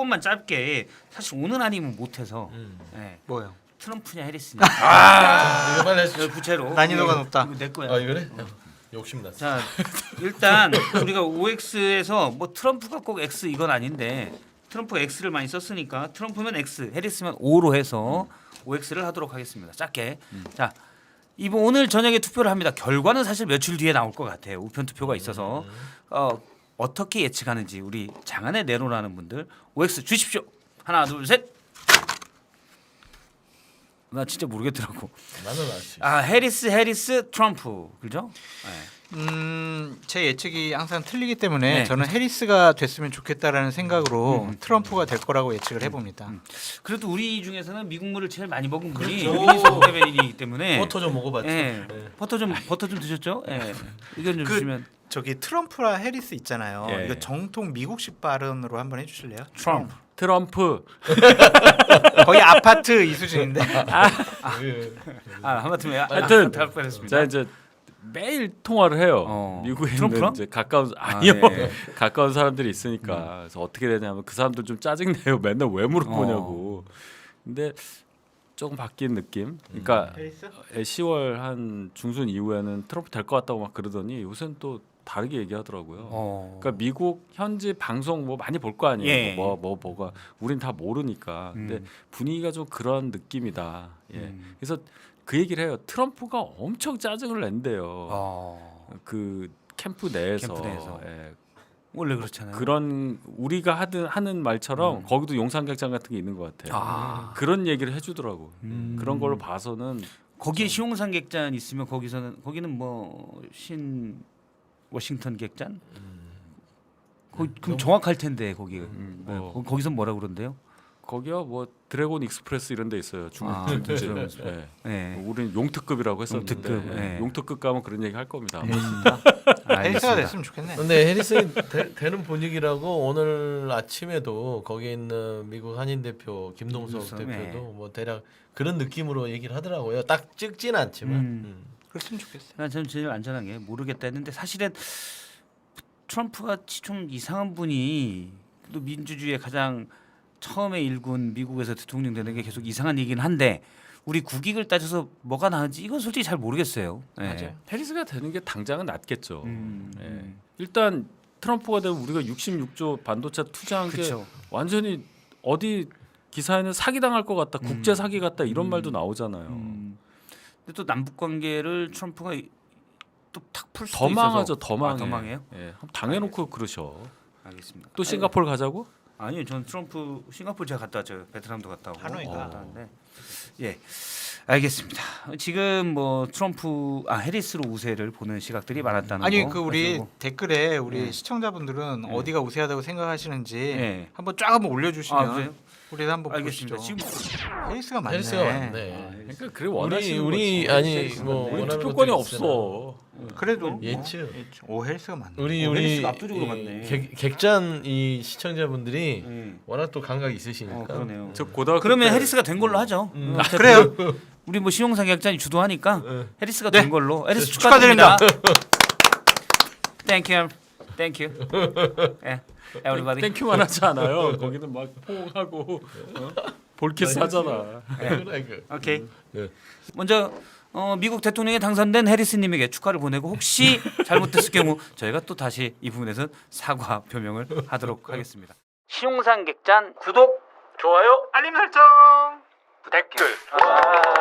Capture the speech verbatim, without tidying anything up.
요것만 짧게 사실 오늘 아니면 못해서 음. 네. 뭐요? 트럼프냐 해리스냐 아 이거 빨리 해주죠. 구체로 난이도가 높다. 이거 내 거야. 아 이거래? 욕심났어. 자 일단 우리가 오엑스에서 뭐 트럼프가 꼭 X 이건 아닌데 트럼프가 X를 많이 썼으니까 트럼프면 X, 해리스면 O로 해서 오엑스를 하도록 하겠습니다. 짧게. 음. 자 이번 오늘 저녁에 투표를 합니다. 결과는 사실 며칠 뒤에 나올 것 같아요. 우편 투표가 있어서 어, 어떻게 예측하는지 우리 장안의 내로라는 분들 오엑스 주십시오. 하나 둘 셋. 나 진짜 모르겠더라고. 나는 알수 있어. 아 해리스 해리스 트럼프 그죠? 네. 음, 제 예측이 항상 틀리기 때문에 네. 저는 해리스가 됐으면 좋겠다라는 생각으로 음. 트럼프가 될 거라고 예측을 해봅니다. 음. 그래도 우리 중에서는 미국물을 제일 많이 먹은 분이 그렇죠. 유니스 대변인이기 때문에 버터 좀 먹어봤죠. 예. 네. 버터 좀 버터 좀 드셨죠? 예. 의견 좀 그- 주시면 저기 트럼프라 해리스 있잖아요. 예. 이거 정통 미국식 발음으로 한번 해주실래요? 트럼프. 트럼프. 거의 아파트 이 수준인데. 그, 아 하마터면 하여튼 할 뻔했습니다. 제가 이제 매일 통화를 해요. 어. 미국에 트럼프랑? 있는 이제 가까운 아니요 아, 네. 가까운 사람들이 있으니까 그래서 어떻게 되냐면 그 사람들 좀 짜증 내요. 맨날 왜 물어보냐고. 근데 조금 바뀐 느낌. 그러니까 해리스? 시월 한 중순 이후에는 트럼프 될 것 같다고 막 그러더니 요새는 또 다르게 얘기하더라고요. 어. 그러니까 미국 현지 방송 뭐 많이 볼 거 아니에요. 예. 뭐, 뭐 뭐가 우린 다 모르니까. 근데 음. 분위기가 좀 그런 느낌이다. 예. 음. 그래서 그 얘기를 해요. 트럼프가 엄청 짜증을 낸대요. 어. 그 캠프 내에서. 캠프 내에서. 예. 원래 그렇잖아요. 그런 우리가 하든 하는 말처럼 음. 거기도 용산극장 같은 게 있는 것 같아요. 아. 그런 얘기를 해주더라고. 음. 그런 걸로 봐서는 거기에 시용산 객잔 있으면 거기서는 거기는 뭐 신 워싱턴 객잔? 거, 그럼 정확할 텐데 거기. 음, 네, 뭐. 거- 거기서 뭐라 그런데요? 거기요 뭐 드래곤 익스프레스 이런 데 있어요. 중국 아, 들 드래곤 예. 네. 우리는 용특급이라고 했었는데 용특급, 예. 네. 용특급 가면 그런 얘기 할 겁니다. 해리스가 됐으면 좋겠네. 근데 해리슨이 되, 되는 분위기라고 오늘 아침에도 거기 있는 미국 한인 대표 김동석 김동석, 대표도 네. 뭐 대략 그런 느낌으로 얘기를 하더라고요. 딱 찍진 않지만. 음. 음. 그랬으면 좋겠어요. 난 저는 제일 안전한 게 모르겠다 했는데 사실은 트럼프 같이 좀 이상한 분이 또 민주주의의 가장 처음에 일군 미국에서 대통령 되는 게 계속 이상한 얘기는 한데 우리 국익을 따져서 뭐가 나은지 이건 솔직히 잘 모르겠어요. 예. 맞아요. 해리스가 되는 게 당장은 낫겠죠. 음, 예. 음. 일단 트럼프가 되면 우리가 육십육 조 반도체 투자한 게 그렇죠. 완전히 어디 기사에는 사기 당할 것 같다, 국제 사기 같다 이런 말도 나오잖아요. 음. 근데 또 남북 관계를 트럼프가 또 탁 풀 수도 더 있어서 망하죠, 더 망해. 아, 더 망해요? 예, 한번 당해놓고 그러셔. 알겠습니다. 또 싱가포르 가자고? 아니요, 전 트럼프 싱가포르 제가 갔다 왔죠. 베트남도 갔다 오고 하노이가. 갔다 왔는데 예, 알겠습니다. 지금 뭐 트럼프 아 해리스로 우세를 보는 시각들이 많았다는 아니 거. 그 우리 가지고. 댓글에 우리 네. 시청자분들은 네. 어디가 우세하다고 생각하시는지 네. 한번 쫙 한번 올려주시면 아, 그래요? 우리도 한번 알겠습니다. 보시죠. 지금 해리스가 맞네. 해리스가 맞네. 아, 그러니까 그래 우리 원하시는 우리 거지. 아니 해리스가 뭐 맞네. 우리 원하는 투표권이 것도 있으나 없어. 그래도 예측. 어, 예측. 오 해리스가 맞네. 우리 어, 우리 해리스가 압도적으로 이 맞네. 객, 객잔 이 시청자분들이 음. 워낙 또 감각이 있으시니까. 어, 그러네요. 저 고등학교 그러면 때 해리스가 된 걸로 하죠. 음. 어차피 그래요. 우리 뭐 신용상 계약자니 주도하니까 네. 해리스가 네. 된 걸로. 해리스 축하드립니다. 축하드립니다. Thank you, thank you. Yeah, everybody. 땡큐만 하지 않아요. 거기는 막 포옹하고 어? 볼키스 하잖아. 그래, 그. 오케이. 네. 먼저 어, 미국 대통령에 당선된 해리스님에게 축하를 보내고 혹시 잘못됐을 경우 저희가 또 다시 이 부분에서 사과 표명을 하도록 하겠습니다. 시용상 객잔 구독, 좋아요, 알림 설정, 댓글. 아~